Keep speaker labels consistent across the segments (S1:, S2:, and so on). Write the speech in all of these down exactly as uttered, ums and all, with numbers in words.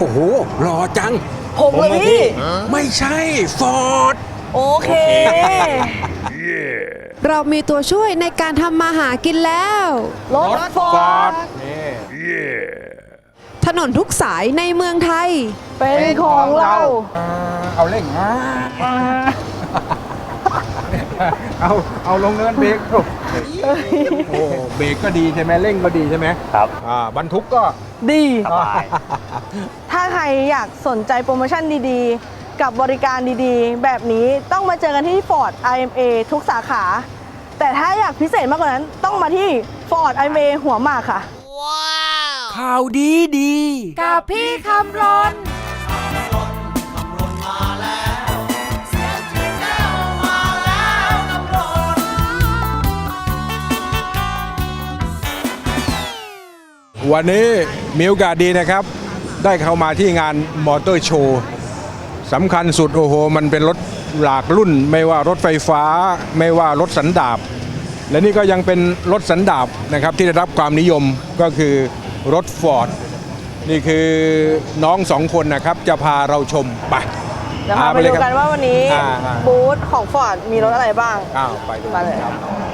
S1: โอ้โหหล่อจัง
S2: ผมเลยพี่
S1: ไม่ใช่ฟอร์ด
S2: โอเค
S3: เรามีตัวช่วยในการทำมาหากินแล้ว
S2: รถฟอร์ด
S1: นี่
S3: ถนนทุกสายในเมืองไทย
S2: เป็นของเรา
S1: เอาเร่งมาเอาเอาลงเนินเบรกโอ้เบรกก็ดีใช่ไหมเร่งก็ดีใช่ไหม
S4: ครับ
S1: อ่าบรรทุกก็
S2: ดี
S4: สบาย
S2: ถ้าใครอยากสนใจโปรโมชั่นดีๆ กับบริการดีๆ แบบนี้ต้องมาเจอกันที่ Ford ไอ เอ็ม เอ ทุกสาขา แต่ถ้าอยากพิเศษมากกว่านั้นต้องมาที่ Ford ไอ เอ็ม เอ หัวหมากค่ะ
S1: ข่าวดีดี
S3: กับพี่คำรน
S1: วันนี้มีโอกาสดีนะครับ ได้เข้ามาที่งานมอเตอร์โชว์สำคัญสุดโอ้โหมันเป็นรถหลากรุ่น ไม่ว่ารถไฟฟ้าไม่ว่ารถสันดาปและนี่ก็ยังเป็นรถสันดาปนะครับที่ได้รับความนิยมก็คือรถฟอร์ดนี่คือน้องสองคนนะครับจะพาเราชมไป
S2: เดี๋ยวพาไป
S1: เล
S2: ดู
S1: ยครับ
S2: กันว่าวันนี้
S1: อ่าอ่า
S2: บูธของ Ford มีรถอะไรบ้าง
S1: อ้าวไปดู
S2: มาเลย
S1: ครับ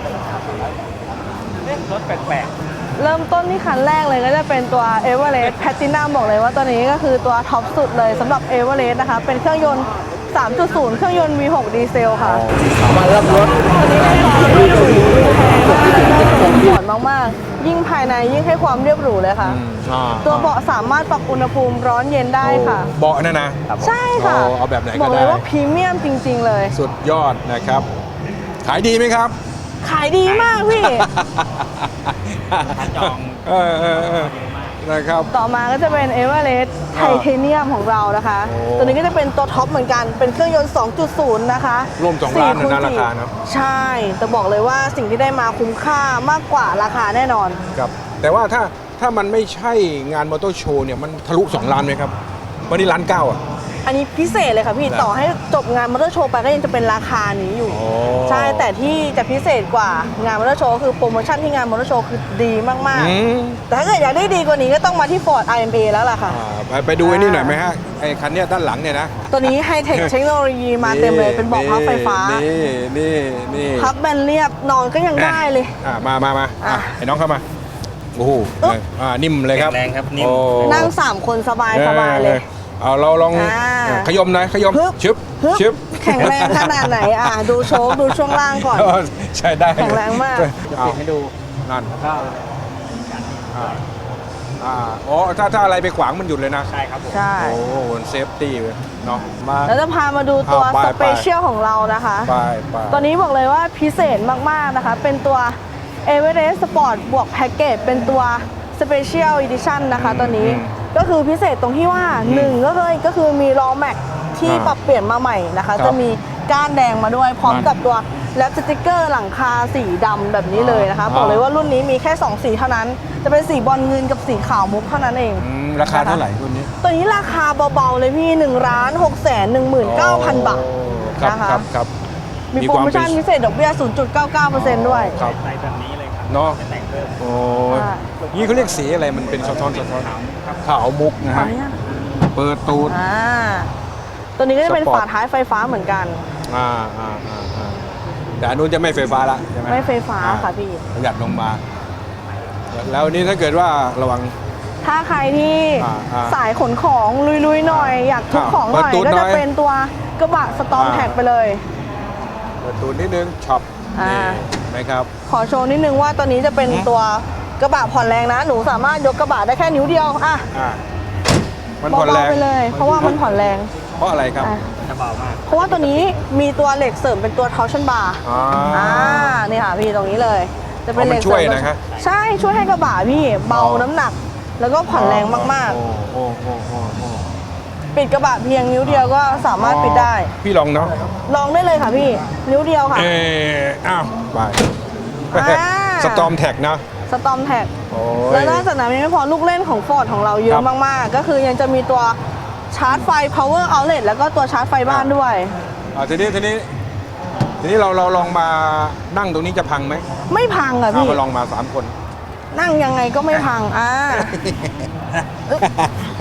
S4: รถแปลก
S2: เริ่มต้นที่คันแรกเลยก็จะเป็นตัว Everest Platinum บอกเลยว่าตัวนี้ก็คือตัวท็อปสุดเลยสำหรับ Everest นะคะ เป็นเครื่องยนต์ สามจุดศูนย์ เครื่องยนต์ วี หก ดีเซลค่ะ
S1: มารับรถ
S2: ตัวนี้ได้ความเรียบหรูแพงมากแล้วก็สปอร์ตมากๆ ยิ่งภายในยิ่งให้ความเรียบหรูเลยค่ะ
S1: อืมอ่า
S2: ตัวเบาะสามารถปรับอุณหภูมิร้อนเย็นได้ค่ะ
S1: เบาะนั่นนะ
S2: ใช่ค่ะ
S1: โอ้เอาแบบไหนก็
S2: บอกเลย
S1: ได้
S2: ว่าพรีเมียมจริง ๆ เลย
S1: สุดยอดนะครับ ขายดีไหมครับ
S2: ขายดีมากพี่
S4: ๆจอง
S1: เออเออเออนะครับ
S2: ต่อมาก็จะเป็น Everest ไทเทเนียมของเรานะคะ
S1: โอ้
S2: ตัวนี้ก็จะเป็นตัวท็อปเหมือนกัน เป็นเครื่องยนต์ สองจุดศูนย์ นะคะ
S1: ร่วมสองล้านนะ
S2: สี่
S1: นะ
S2: คูณ
S1: ราคา
S2: สี่
S1: เนอะ
S2: ใช่ แต่บอกเลยว่าสิ่งที่ได้มาคุ้มค่ามากกว่าราคาแน่นอน
S1: ครับแต่ว่าถ้าถ้ามันไม่ใช่งานมอเตอร์โชว์เนี่ยมันทะลุสองล้านไหมครับวันนี้ล้านเก้าอ่ะ
S2: อันนี้พิเศษเลยค่ะพี่
S1: นะ
S2: ต่อให้จบงานมอเตอร์โชว์ไปก็ยังจะเป็นราคานี้อยู่
S1: โอ้
S2: ใช่ แต่ที่จะพิเศษกว่างานมอเตอร์โชว์คือโปรโมชั่นที่งานมอเตอร์โชว์คือดีมาก
S1: อืม
S2: ๆ แต่ถ้าเกิดอยากได้ดีกว่านี้ก็ต้องมาที่ Ford ไอ เอ็ม เอ แล้วล่ะค่ะ
S1: อ่าไปไปดูไอ้นี่หน่อยไหมฮะไอ้คันเนี้ยด้านหลังเนี่ยนะ
S2: ตัวนี้ไฮเทคเทคโนโลยีมาเต็มเลยเป็นเบาะพับไฟฟ้า
S1: นี่นี่นี่
S2: พับแบนเรียบนอนก็ยังได้เลย
S1: อ่ามามามาอ่ะ
S2: อ่ะ
S1: ไอ้น้องเข้ามาโอ้โห
S2: อึ๊บ
S1: อ่านิ่มเลยครับ
S4: แรงครับนิ่ม
S1: โอ้
S2: นั่งสามคนสบายสบายเลย
S1: เอาเราลอง
S2: อ่า
S1: ขยมหน่อยขยม
S2: ฮึบ
S1: ชึบ
S2: ฮึบ
S1: ชึบ
S2: แข็งแรงขนาดไหนอ่ะดูโชคดูช่วงล่างก่อน
S1: ใช่ได้
S2: แข็งแรงมาก
S1: เอา
S4: ปิดให้ดู
S1: นั่น
S4: ก็
S1: อ่าอ่าอ๋อถ้าถ้าอะไรไปขวางมันหยุดเลยนะ
S4: ใช่ครับผม
S2: ใช่
S1: โอ้โหเซฟตี้เลยเนาะมา
S2: แล้วจะพามาดูตัว
S1: เอาไป
S2: สเปเชียลของเรานะคะ
S1: ไปไป
S2: ตัวนี้บอกเลยว่าพิเศษมาก ๆ นะคะ เป็นตัว Everest Sport บวกแพ็กเกจเป็นตัว Special Edition นะคะตัวนี้ก็คือพิเศษตรงที่ว่าหนึ่งก็เลยก็คือมีล้อแม็กที่
S1: อ่า
S2: ปรับเปลี่ยนมาใหม่นะคะ
S1: ครับ
S2: จะมีก้านแดงมาด้วยพร้อม
S1: นั่น
S2: กับตัวแรปสติกเกอร์หลังคาสีดำแบบนี้เลยนะคะ
S1: อ่า
S2: บอกเลยว่ารุ่นนี้มีแค่สองสีเท่านั้น จะเป็นสีบอลเงินกับสีขาวมุกเท่านั้นเอง
S1: อืมราคาเท่าไหร่รุ่นนี้
S2: ตัวนี้ราคาเบา ๆ เลยพี่หนึ่งล้านหกแสนหนึ่งหมื่นเก้าพันบาท
S1: ครับ
S2: นะคะ
S1: ครับครับ
S2: มีโปรโมชั่นพิเศษดอกเบี้ย ศูนย์จุดเก้าเก้าเปอร์เซ็นต์ ด้วย
S1: ครับ
S4: ใส่แบบนี้เลยครับ
S1: เนาะ
S4: ไม่แต่งเพิ่ม
S1: โอ้ย
S2: ใช่
S1: นี่เขาเรียกสีอะไรมันเป็นสะท้อนสะท้อนขาวมุกนะ
S2: ขอ
S1: ฮะ
S2: อนุญาต
S1: เปิดตูด
S2: อ่าตัวนี้ก็จะเป็น
S1: สปอร์ต
S2: ฝาท้ายไฟฟ้าเหมือนกัน
S1: อ่าอ่าอ่าอ่าแต่อันนู้นจะไม่ไฟฟ้าละใช่ไหม
S2: ไม่ไฟฟ้า
S1: อ่
S2: ค่ะพี่
S1: ประหยัดลงมา แล้วนี่ถ้าเกิดว่าระวัง
S2: ถ้าใครที่
S1: อ่าอ่า
S2: สายขนของลุยๆหน่อย อยากทุก
S1: อ่า
S2: ของหน่อย
S1: เปิดตูด
S2: ก็
S1: หน่
S2: จะ
S1: อย
S2: เป็นตัวกระบะสตอม
S1: อ่า
S2: แท็กไปเลย
S1: เปิดตูดนิดนึงช็อป
S2: อ่า
S1: นี่ไหมครับ
S2: ขอโชว์นิดนึงว่าตัวนี้จะเป็น
S1: อืม
S2: ตัวกระบะผ่อนแรงนะ หนูสามารถยกกระบะได้แค่นิ้วเดียวอ่ะ
S1: อ่ามันผ่อน
S2: เบา
S1: แรง
S2: ๆไปเลย เพราะว่ามันผ่อนแรง
S1: เพราะอะไรครับ
S2: อ่ะ
S4: จะเบามาก
S2: เพราะว่าตัวนี้มีตัวเหล็กเสริมเป็นตัว torsion bar
S1: อ่า
S2: อ่านี่ค่ะพี่ตรงนี้เลย จะเป็น
S1: อ๋อ
S2: เห
S1: มั
S2: ล็
S1: น
S2: ก
S1: ช่วย
S2: เสริม
S1: นะครับ
S2: ใช่ช่วยให้กระบะพี่เบา
S1: อ๋อ
S2: น้ำหนัก แล้วก็ผ่อนแรงมาก
S1: โอ้โอ้โอ้โอ้โอ้
S2: ๆ ปิดกระบะเพียงนิ้วเดียวก็สามารถปิดได้
S1: พี่ลองเนาะ
S2: ลองได้เลยค่ะพี่ นิ้วเดียวค่ะ
S1: เอออ้าวไป
S2: อ่า
S1: สตอมแท็กนะ
S2: สตอมแท็ก
S1: โอ้
S2: แล้ว
S1: ย
S2: นอกจากนั้นยังไม่พอลูกเล่นของ Ford ของเราเย
S1: ค
S2: อะ
S1: รับ
S2: มากๆ ก็คือยังจะมีตัวชาร์จไฟ power outlet แล้วก็ตัวชาร์จไฟบ้านด้วย
S1: อ่าทีนี้ทีนี้ทีนี้เราเราลองมานั่งตรงนี้จะพังไหม
S2: ไม่พังอ่ะ
S1: เอา
S2: พี่
S1: มาลองมาสามคน
S2: นั่งยังไงก็ไม่พังอ่า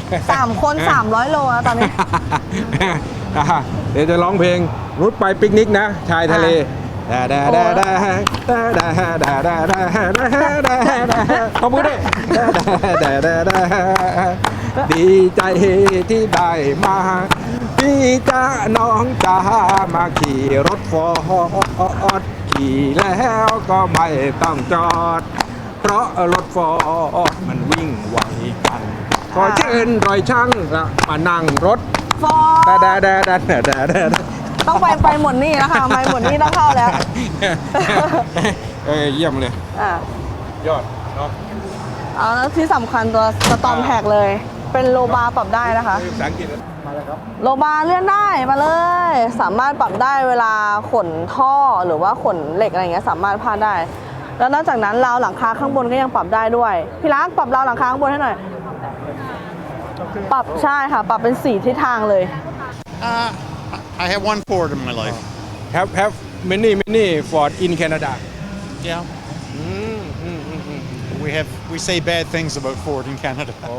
S2: สามคนสามร้อยโลแล้วตอนนี้
S1: อ่ะเดี๋ยวจะร้องเพลงรุดไปปิกนิกนะ ชายทะเลดาดาดาดาดาดาดาดาดาดาดาดาขอบคุณด้วยดาดาดาดาดีใจที่ได้มาพี่จ้าน้องจ้ามาขี่รถฟอร์ดขี่แล้วก็ไม่ต้องจอด เพราะรถฟอร์ดมันวิ่งไวกันขอเชิญรอยช่างมานั่งรถ
S2: ฟอร์
S1: ดา
S2: ด
S1: ดาดาดาดาดาดาดา
S2: ต้องไปไปหมดนี่แล้วค่ะไปหมดนี่ต้องเข้าแล้ว
S1: เออเยี่ยมเลย
S2: อ่ะ
S1: ยอดเนาะ
S2: เอาแล้วที่สำคัญตัวสตอมแท็กเลย เป็นโลบาร์ปรับได้นะคะ
S1: ภาษาอังกฤษมาแล้วครับ
S2: โลบาร์เลื่อนได้มาเลย สามารถปรับได้เวลาขนท่อหรือว่าขนเหล็กอะไรอย่างเงี้ยสามารถพาดได้ แล้วนอกจากนั้นราวหลังคาข้างบนก็ยังปรับได้ด้วยพี่รักปรับราวหลังคาข้างบนให้หน่อย ปรับใช่ค่ะ ปรับเป็นสีทิศทางเลย
S5: Uh, I have one Ford in my life.
S1: have have many many Ford in Canada
S5: Yeah.
S1: อืมอืมอืมอืม
S5: We have we say bad things about Ford in Canada.
S1: โอ้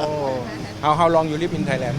S1: how how long you live in Thailand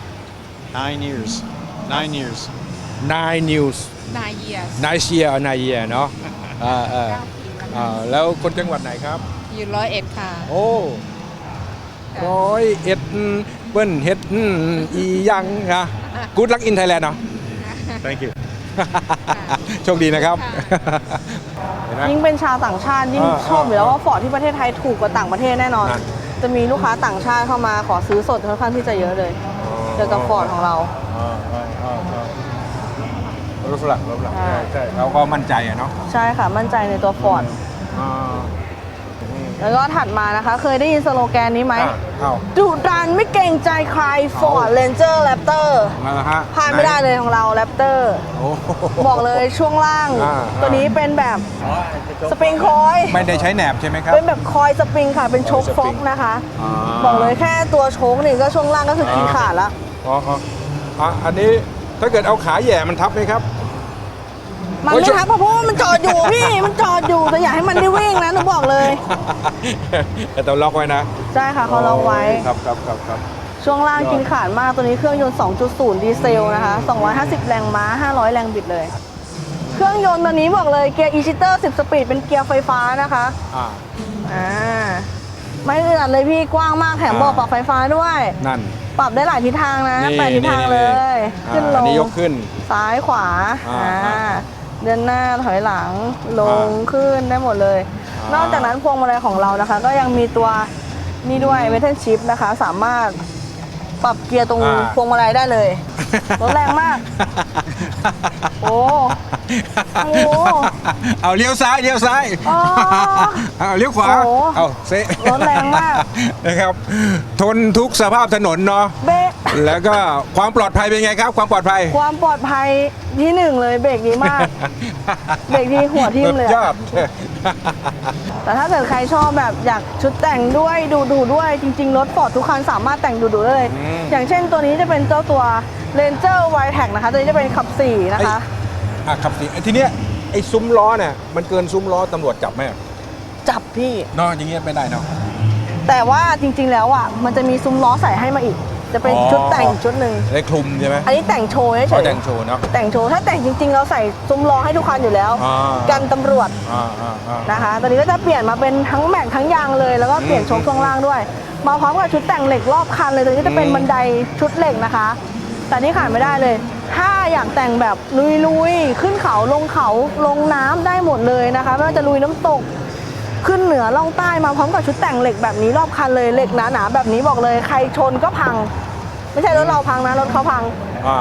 S5: Nine years. Nine years.
S1: nine news
S3: nine years
S1: nine year nine year เนาะเออเออเออแล้วคนจังหวัดไหนครับ
S3: อยู่ร้อยเอ็ดค่ะ
S1: โอ้ร้อยเอ็ดเปิ้นเฮ็ดอียังนะกูดลักอินไทยแลนด์เนาะ
S5: Thank you.
S1: โชคดีนะครับ เห็นไหม
S2: ยิ่งเป็นชาวต่างชาติยิ่ง
S1: อ่า
S2: ชอบอยู่แล้วว่าฟอร์ดที่ประเทศไทยถูกกว่าต่างประเทศแน่นอน
S1: นั่น
S2: จะมีลูกค้าต่างชาติเข้ามาขอซื้อสดค่อนข้างที่จะเยอะเลยเกี่ยวกับฟอร์ดของเรา
S1: อ่าอ่าอ่าอ่ารถฝรั่งรถฝรั่ง
S2: ใช่
S1: ใช่ใช่เขาก็มั่นใจอะเนาะ
S2: ใช่ค่ะ มั่นใจในตัวฟอร์ด
S1: อ่า
S2: แล้วก็ถัดมานะคะ เคยได้ยินสโลแกนนี้ไหม
S1: อ่าเอ้า
S2: ดุดันไม่เกรงใจใครฟอร์ดเรนเจอร์แรปเตอร์
S1: มาแล้วฮะ
S2: พลาดไม่ได้เลยของเราแรปเตอร์
S1: โอ้โห
S2: บอกเลยช่วงล่าง
S1: อ่า
S2: ตัวนี้เป็นแบบสปริงคอย
S1: ไม่ได้ใช้แหนบใช่ไหมครับ
S2: เป็นแบบคอยสปริงค่ะ เป็นโชค
S1: คอยส
S2: ฟ
S1: ปริ
S2: อก
S1: ง
S2: นะคะ
S1: อ่า
S2: บอกเลยแค่ตัวโชคนี่ก็ช่วงล่างก็คือขีดขาดแล้ว
S1: อ๋ออ๋ออ่ะอันนี้ถ้าเกิดเอาขาแหย่มันทับไหมครับ
S2: มัน
S1: โอ้ย
S2: ไม่
S1: โชค
S2: ทับเพราะว่ามันจอดอยู่พี่ มันจอดอยู่แต่อยากให้มันได้วิ่งนะหนูบอกเลย
S1: แต่ต้องล็อกไว้นะ
S2: ใช่ค่ะเขาล็อกไว้
S1: ครับครับครับครับ
S2: ช่วงล่างกินขาดมากตัวนี้เครื่องยนต์ สองจุดศูนย์ ดีเซลนะคะ สองร้อยห้าสิบ แรงม้า ห้าร้อย แรงบิดเลย เครื่องยนต์ตัวนี้บอกเลยเกียร์ e-shitter สิบ สปีดเป็นเกียร์ไฟฟ้านะคะ
S1: อ่า
S2: อ่า ไม่อึดอัดเลยพี่กว้างมากแถม
S1: อ่า
S2: เบอกปรับไฟฟ้าด้วย
S1: นั่น
S2: ปรับได้หลายทิศทางนะ
S1: นี่
S2: แปดทิศทางเลย
S1: นี่
S2: ขึ้นล
S1: อัน
S2: ง
S1: นี้ยกขึ้น
S2: ซ้ายขวา
S1: อ่า
S2: อ่า
S1: อ่า
S2: เดินหน้าถอยหลัง ลง
S1: อ่า
S2: ขึ้นได้หมดเลย
S1: อ่าน
S2: นอกจากนั้นพวงมาลัยของเรานะคะ ก็ยังมีตัวนี่ด้วยเวทเทนชิพนะคะ สามารถปรับเกียร์ตรง
S1: อ่า
S2: พวงมาลัยได้เลย รถแรงมาก โอ้ โอ้
S1: เอาเลี้ยวซ้ายเลี้ยวซ้าย
S2: อ๋อ
S1: เอาเลี้ยวขวา
S2: โอ้
S1: เอาเซะ
S2: รถแรงมาก
S1: นะครับ ทนทุกสภาพถนนเนาะ
S2: เบรก
S1: แล้วก็ความปลอดภัยเป็นไงครับ ความปลอดภัย
S2: ความปลอดภัยที่หนึ่งเลยเบรกดีมาก เบรกดีหัวทิ่มเลยอะ
S1: ยอด
S2: แต่ถ้าเกิดใครชอบแบบอยากชุดแต่งด้วยดูดูด้วยจริง ๆ รถฟอร์ดทุกคันสามารถแต่งดูดูได้เลย
S1: อืม
S2: อย่างเช่นตัวนี้จะเป็นเจ้าตัว Ranger Wildtrak นะคะ ตัวนี้จะเป็นขับสี่นะคะ
S1: อ่ะขับสิไอ้ทีเนี้ยไอ้ซุ้มล้อเนี่ยมันเกินซุ้มล้อตำรวจจับไหม
S2: จับพี่
S1: เนาะอย่างเงี้ยไม่ได้เนาะ
S2: แต่ว่าจริง ๆ แล้วอ่ะมันจะมีซุ้มล้อใส่ให้มาอีก จะเป็น
S1: อ๋อ
S2: ชุดแต่งอีกชุดหนึ่ง
S1: ได้คลุมใช่ไหม
S2: อันนี้แต่งโชว์เฉ
S1: เขา
S2: ย
S1: แต่งโชว์เนาะ
S2: ๆแต่งโชว์ถ้าแต่งจริง ๆ เราใส่ซุ้มล้อให้ทุกคันอยู่แล้ว
S1: อ่า
S2: กันตำรวจ
S1: อ่าอ่าอ่า
S2: นะคะ ตอนนี้ก็จะเปลี่ยนมาเป็นทั้งแม็กทั้งยางเลย แล้วก็เปลี่ยน
S1: อืม
S2: โชคช่วงล่างด้วย มาพร้อมกับชุดแต่งเหล็กรอบคันเลยตัวนี้ก็จะเป็น
S1: อืม
S2: บันไดชุดเหล็กนะคะ แต่ที่ขาดไม่ได้เลย ถ้าอยากแต่งแบบลุยๆ ขึ้นเขาลงเขาลงน้ำได้หมดเลยนะคะไม่ว่าจะลุยน้ำตก ขึ้นเหนือล่องใต้มาพร้อมกับชุดแต่งเหล็กแบบนี้รอบคันเลยเหล็กหนาๆแบบนี้บอกเลยใครชนก็พัง ไม่ใช่รถเราพังนะรถเขาพัง
S1: อ่า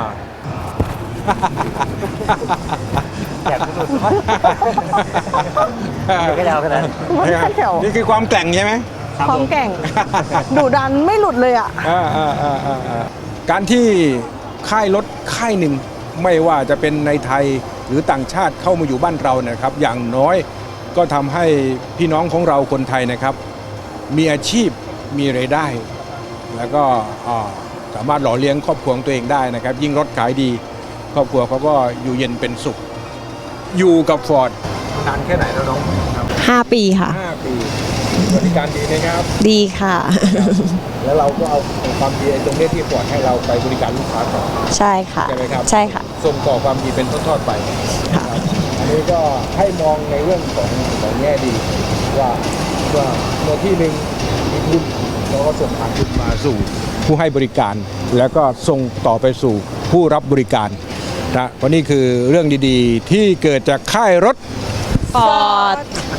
S4: แจกสุดๆไม่ก็ยาวขนาดนั้น
S2: ไม่ใช่แถว
S1: นี่คือความแกร่งใช่ไหม
S4: ครับ
S2: ความ
S4: ผม
S2: แกร่งดุดันไม่หลุดเลยอ่ะ
S1: อ่าอ่าอ่าอ่าอ่าการที่ค่ายรถค่ายหนึ่งไม่ว่าจะเป็นในไทยหรือต่างชาติเข้ามาอยู่บ้านเรานะครับ อย่างน้อยก็ทำให้พี่น้องของเราคนไทยนะครับ มีอาชีพมีรายได้ แล้วก็อ่าสามารถหล่อเลี้ยงครอบครัวของตัวเองได้นะครับ ยิ่งรถขายดี ครอบครัวเขาก็อยู่เย็นเป็นสุข อยู่กับฟอร์ดนานแค่ไหนแล้วน้องครับ
S3: ห้าปีค่ะ
S1: ห้าปีบริการดีไหมครับ
S3: ดีค่ะ
S1: แล้วเราก็เอาความดีตรงนี้ที่ฟอร์ดให้เราไปบริการลูกค้าต่อ
S6: ใช่ค่ะ
S1: ใช่ไหมครับ
S6: ใช่ค่ะ
S1: ส่งต่อความดีเป็นทอดๆไปนะครับอันนี้ก็ให้มองในเรื่องของของแง่ดีว่าว่าเมื่อที่หนึ่งมีทุนเราก็ส่งผ่านทุนมาสู่ผู้ให้บริการ แล้วก็ส่งต่อไปสู่ผู้รับบริการนะวันนี้คือเรื่องดีๆ ที่เกิดจากค่ายรถ
S6: ฟอร์ด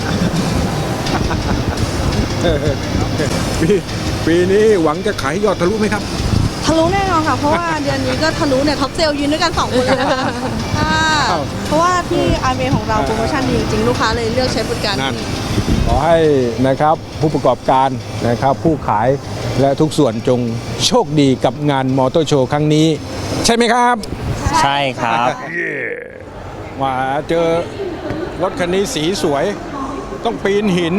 S1: ปีปีนี้หวังจะขายยอดทะลุไหมครับ
S2: ทะลุแน่นอนค่ะ เพราะว่าเดือนนี้ก็ทะลุเนี่ยท็อปเซลล์ยืนด้วยกันสองคนเลยค่ะค่ะเพราะว่าที่ อาร์ เอ็ม เอ ของเราโปรโมชั่นดีจริงๆลูกค้าเลยเลือกใช้บริการ
S1: นั่น
S2: ที่
S1: ขอให้นะครับผู้ประกอบการนะครับผู้ขายและทุกส่วนจงโชคดีกับงานมอเตอร์โชว์ครั้งนี้ ใช่ไหมครับ
S4: ใช่ครับ
S1: มาเจอรถคันนี้สีสวย ต้องปีนหิน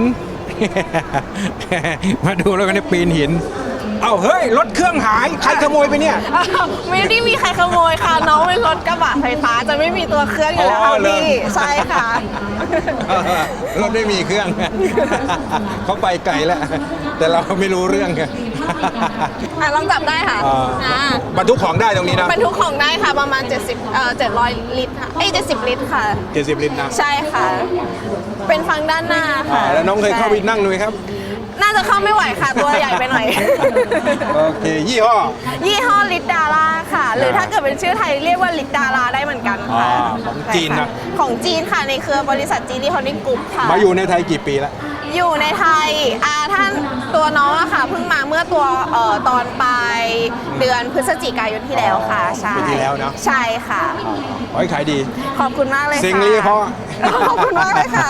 S1: มาดูแล้วกันนี่ปีนหิน เอ้าเฮ้ย รถเครื่องหาย ใครขโมยไปเนี่ย
S2: ไม่ได้มีใครขโมยค่ะ น้องเป็นรถกระบะไฟฟ้าจะไม่มีตัวเครื่องอยู่แล้ว
S1: อ๋
S2: ค่ะ
S1: อเหรอ
S2: พี่ใช่ค่ะ
S1: รถไม่มีเครื่อง เขาไปไกลแล้ว แต่เราไม่รู้เรื่องไง
S2: อ่ะลองจับได้ค่ะ
S1: อ่า
S2: อ่า
S1: บรรทุกของได้ตรงนี้นะ
S2: บรรทุกของได้ค่ะประมาณ เจ็ดสิบเอ่อเจ็ดร้อยลิตรค่ะเอ้ยเจ็ดสิบลิตรค่ะ
S1: เจ็ดสิบลิตรนะ
S2: ใช่ค่ะ เป็นฟังด้านหน้า
S1: อ่า
S2: ค่ะ
S1: แล้วน้องเคยเข้าไปนั่งดูไหมครับ
S2: น่าจะเข้าไม่ไหวค่ะ ตัวใหญ่ไปหน่อย
S1: โอเค ยี่ห้อ
S2: ยี่ห้อลิตดาราค่ะ หรือถ้าเกิดเป็นชื่อไทยเรียกว่าลิตดาราได้เหมือนกันค่ะ
S1: อ่าของจีนนะ
S2: ใช่ค่ของจีนค่ะในเครือบริษัทจีนีฮอลลิ่งกรุ๊ปค่ะ
S1: มาอยู่ในไทยกี่ปีแล้ว
S2: อยู่ในไทยอ่าท่านตัวน้องอะค่ะเพิ่งมาเมื่อตัวเอ่อตอนปลายเดือนพฤศจิกายนที่แล้วค่ะ ใช่
S1: ปีที่แล้วเนอะ
S2: ใช่ค่ะ
S1: ขอให้ขายดี
S2: ขอบคุณมากเลยค่ะ
S1: เสียงลีเพราะ
S2: ขอบคุณมากเลยค่ะ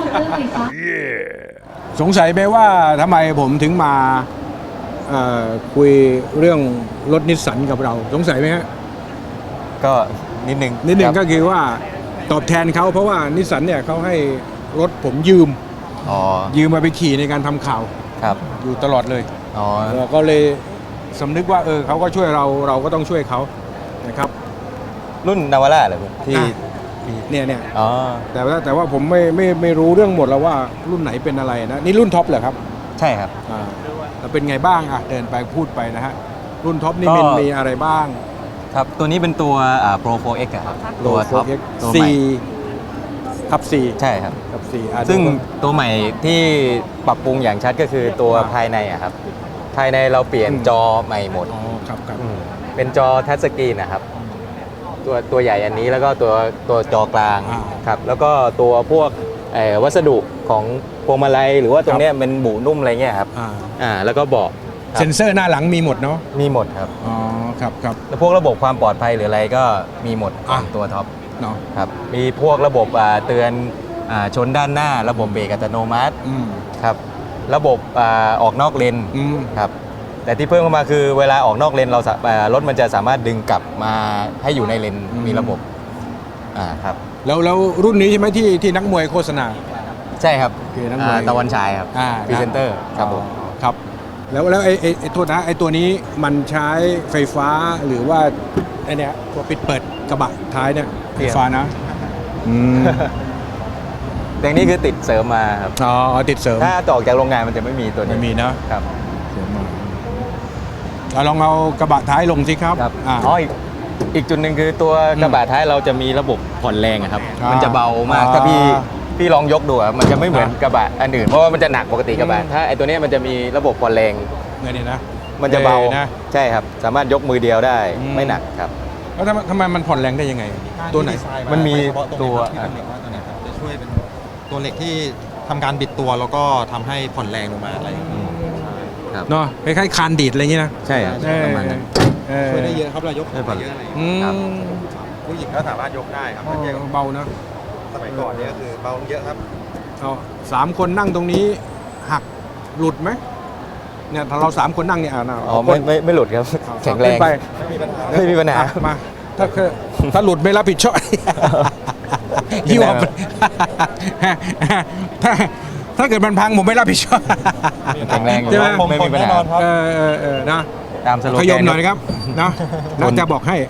S1: สงสัยไหมว่าทำไมผมถึงมาเอ่อคุยเรื่องรถนิสสันกับเรา สงสัยไหมฮะ
S4: ก็นิดนึง
S1: นิดหนึ่ง
S4: ครับ
S1: ก็คือว่าตอบแทนเขาเพราะว่านิสสันเนี่ยเขาให้รถผมยืม
S4: อ๋อ
S1: ยืมมาไปขี่ในการทำข่าว
S4: ครับ
S1: อยู่ตลอดเลย
S4: อ๋อ
S1: เราก็เลยสำนึกว่าเออเขาก็ช่วยเราเราก็ต้องช่วยเขานะครับ
S4: รุ่นนาวาร่าเหรอที่
S1: อ่ะ เนี่ยเนี่ย
S4: อ๋อ
S1: แต่ว่าแต่ว่าผมไม่ไม่ไม่รู้เรื่องหมดแล้วว่ารุ่นไหนเป็นอะไรนะนี่รุ่นท็อปเหรอครับ
S4: ใช่ครับ
S1: อ่าแล้วเป็นไงบ้างอ่ะเดินไปพูดไปนะฮะรุ่นท็อปนี่
S4: ก็
S1: มันมีอะไรบ้าง
S4: ครับ ตัวนี้เป็นตัวอ่า Pro โฟร์ เอ็กซ์ อะครับ ตัวท็อป ตัวใหม่
S1: สี่ทับสี่
S4: ใช่ครับ
S1: ทับสี่อ่ะ
S4: ซึ่ง
S1: ดูก่อน
S4: ตัวใหม่ที่ปรับปรุงอย่างชัดก็คือตัว
S1: อ่า
S4: ภายในอะครับ ภายในเราเปลี่ยน
S1: อืม
S4: จอใหม่หมด
S1: อ๋อครับครับ
S4: อืมเป็นจอทัชสกรีนนะครับ ตัวตัวใหญ่อันนี้แล้วก็ตัวตัวจอกลาง
S1: อ่า
S4: ครับ แล้วก็ตัวพวกเอ่อวัสดุของพวงมาลัยหรือว่าตรงเนี้ยเป็นบุนุ่มอะไรเงี้ยครับ
S1: อ่า
S4: อ่าแล้วก็เบาะครับ
S1: เซ็นเซอร์หน้าหลังมีหมดเนาะ
S4: มีหมดครับ
S1: อ๋อครับครับ
S4: แล้วพวกระบบความปลอดภัยหรืออะไรก็มีหมดข
S1: อ่ะ
S4: องตัวท็อป
S1: เนาะ
S4: ครับมีพวกระบบอ่าเตือนอ่าชนด้านหน้า ระบบเบรกอัตโนมัติ
S1: อืม
S4: ครับระบบอาออกนอกเลน
S1: อืม
S4: ครับแต่ที่เพิ่มเข้ามาคือเวลาออกนอกเลนเราสาอ่ารถมันจะสามารถดึงกลับมาให้อยู่ในเลนมีระบบอ่าครับ
S1: แล้วแล้วรุ่นนี้ใช่ไหมที่ที่นักมวยโฆษณา
S4: ใช่ครับ
S1: คือนักมวย
S4: อ่าตะวันฉายครับ
S1: อ่า
S4: พรีเซนเตอร์ครับผม
S1: อ๋อครับ แล้วแล้วไอ้ไอ้ไอ้โทษนะไอ้ตัวนี้มันใช้ไฟฟ้าหรือว่าไอ้เนี้ยตัวปิดเปิดกระบะท้ายเนี่ยไฟฟ้านะอืม
S4: แต่อันนี้คือติดเสริมมาครับ
S1: อ๋อติดเสริม
S4: ถ้าต่ออกจากโรงงานมันจะไม่มีตัวนี้
S1: ไม่มีนะครับ เสริมมาเอาลองเอากระบะท้ายลงสิครับ
S4: ครับ
S1: อ่า
S4: อ๋ออีกอีกจุดหนึ่งคือตัวกระบะท้ายเราจะมีระบบผ่อนแรงอะครับ
S1: อ่ามั
S4: มันจะเบามาก
S1: อ่า
S4: ถ้าพี่พี่ลองยกดูอะมันจะไม่เหมือน
S1: อ่าก
S4: ระบะอันอื่นเพราะว่ามันจะหนักปกติกระบะ
S1: อืม
S4: ถ้าไอตัวเนี้ยมันจะมีระบบผ่อนแรง
S1: เงินนี่นะ
S4: มันจะเบา
S1: ออนะ
S4: ใช่ครับ สามารถยกมือเดียวได้
S1: อืม
S4: ไม่หนักครับ
S1: แล้วทำไมทำไมมันผ่อนแรงได้ยังไง ตัวไหน
S4: มันมี
S7: โดยเฉพาะตรง
S4: ตัว
S7: นี้ครับที่เป็นเหล็กว่าตัวเนี้ยครับจะช่วยเป็นตัวเหล็กที่ทำการบิดตัวแล้วก็ทำให้ผ่อนแรงลงมาอะไรอย่างเงี้ย
S4: ครับ
S1: เนาะคล้ายๆคานดีดอะไรอย่างงี้นะ
S4: ใช่ครับประมาณนั้น
S1: เออ
S7: ช่วยได้เยอะครับเรายก
S4: ได้ผ่อน
S7: เยอะอะไรอย่าง
S1: อื
S7: เงี้ย
S1: ม
S4: ครับ
S7: ผู้หญิงก็สามารถยกได้ครับ
S1: อ๋อ
S7: เทียบกับ
S1: เบานะ
S7: สมัยก่อนเนี่ยก็คือเบาลงเยอะครับ
S1: เอาสามคนนั่งตรงนี้หักหลุดไหมเนี่ยถ้าเราสามคนนั่งเนี่ยอ่านะ
S4: อ๋อไม่ไม่ไม่หลุดครับ
S1: เอา
S4: แข็งแรง
S1: ขึ้นไป
S7: ไม่มีปัญหา
S4: ไม่มีปัญหา
S1: อ่ะมาถ้าคือถ้าหลุดไม่รับผิดชอบ
S4: ไม่
S1: ยี่
S4: ได้
S1: ห้อ
S4: ครับ
S1: ถ้าถ้าเกิดมันพังผมไม่รับผิดชอบ
S4: แข็งแรงอยู่
S1: ใช่ไหม
S4: ไม่มีปัญหา
S1: เออเออเออนะ
S4: ตามสโล
S1: ข
S4: แก
S1: ยม
S4: น
S1: หน่อยนะครับเนาะน่าจะบอกให้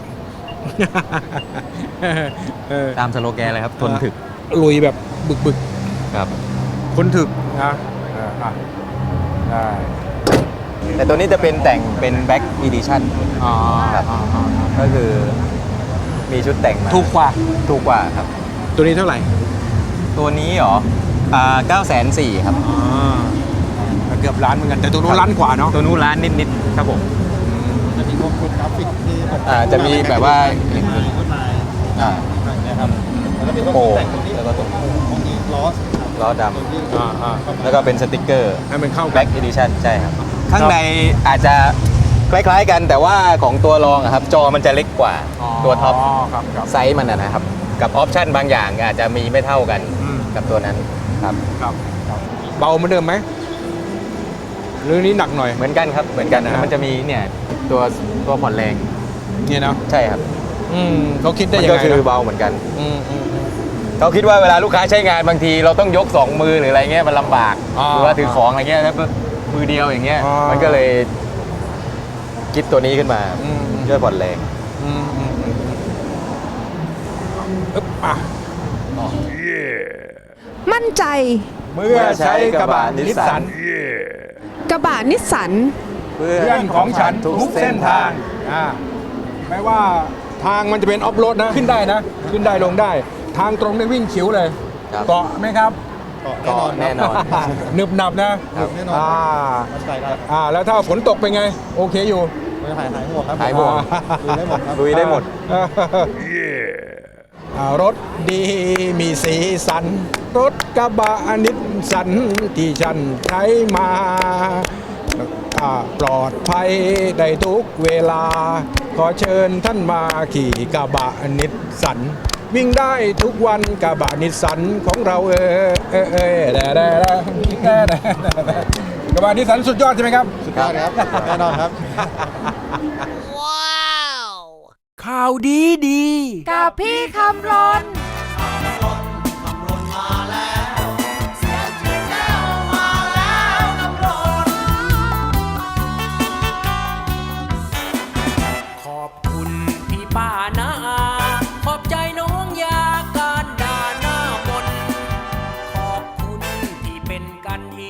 S1: เออ
S4: ตามสโลแกนเลยครับทนถึก
S1: ลุยแบบบึกบึก
S4: ครับ
S1: ๆคนถึกนะเอออ่ะได้
S4: แต่ตัวนี้จะเป็นแต่งเป็นแบ็กอีดิชั่น
S1: อ๋อ
S4: ครับก็คือมีชุดแต่งมา
S1: ถูกกว่า
S4: ถูกกว่าครับ
S1: ตัวนี้เท่าไหร่
S4: ตัวนี้เหรออ่าเก้าแสนสี่ครับ
S1: อ๋อเกือบล้านเหมือนกันแต่ตัวนู้นล้านกว่าเนาะ
S4: ตัวนู้นล้านนิดๆครับผม
S7: จะมีพวกชุดกราฟิกที่ตก
S4: อ่าจะมีแบบว่า
S7: ชุดลาย
S4: อ่า
S7: นะครับแล้วก็มีพวก
S4: โป่ง
S7: แต่งตรงนี้
S4: แล้วก็ตรง
S7: ตรงนี้ล้อ
S4: ล้อด
S7: ตรงที่
S1: อ่าอ่า
S4: ำแล้วก็เป็นสติกเกอร์
S1: ให้มันเข้ากั
S4: แบ็
S1: น
S4: กอีดิชั่นใช่ครับ ข้างในอาจจะคล้ายๆกันแต่ว่าของตัวรองอะครับ จอมันจะเล็กกว่าตัวท็อป
S1: ครับครับ
S4: ไซส์มันอะนะครับ กับออปชั่นบางอย่างอาจจะมีไม่เท่ากัน
S1: อืม
S4: กับตัวนั้นครับ
S1: ครับเบาเหมือนเดิมไหมหรือนี้หนักหน่อย
S4: เหมือนกันครับเหมือนกัน
S1: นะ
S4: มันจะมีเนี่ยตัวตัวผ่อนแรง
S1: เนี่ยเนาะ
S4: ใช่ครับ
S1: อืมเขาคิดได้
S4: มัน
S1: ยัง
S4: ก็
S1: ไง
S4: คือ
S1: นะ
S4: เบาเหมือนกัน
S1: อืมอืมอืม
S4: เขาคิดว่าเวลาลูกค้าใช้งานบางทีเราต้องยกสองมือหรืออะไรเงี้ยมันลำบาก
S1: อ่า
S4: หรือว่าถือของอะไรเงี้ยแล้วมือเดียวอย่างเงี้ย
S1: อ่ามั
S4: มันก็เลยคิดตัวนี้ขึ้นมา
S1: อืม
S4: ช่วยผ่อนแรง
S1: อืมอืมอืมอืมอึ๊บอ่ะ
S3: มั่นใจ
S1: เมื่อใช้กระบะนิสสัน
S3: กระบะนิสสัน
S4: เพื่
S1: เพื่อนของฉันทุกเส้นทางอ่าแม้ว่าทางมันจะเป็นออฟโรดนะ ขึ้นได้นะ ขึ้นได้ลงได้ ทางตรงได้วิ่งขิวเลย
S4: ครับ
S1: เกาะไหมครับ
S7: เกาะแน่นอน
S4: แน่นอน
S1: หนึบหนับนะครับ
S7: แน่นอน
S1: อ่า
S7: มั่นใจได้ครับ
S1: อ่าแล้วถ้าฝนตกเป็นไง โอเคอยู่
S7: ไม่หายหายห่วงครับ
S4: หายห่วง
S7: ดูได้หมดครับ
S4: ลุยได้หมด
S1: อ่ารถดีมีสีสัน รถกระบะนิสสันที่ฉันใช้มาอ่าปลอดภัยได้ทุกเวลา ขอเชิญท่านมาขี่กระบะนิสสัน วิ่งได้ทุกวันกระบะนิสสันของเราเออเออเออแด่แด่แด่แด่แด่แด่กระบะนิสสันสุดยอดใช่ไหมครับ
S7: สุดยอดครับแน่นอนครับ
S6: ข่าวดีดี
S8: กับพี่คำรน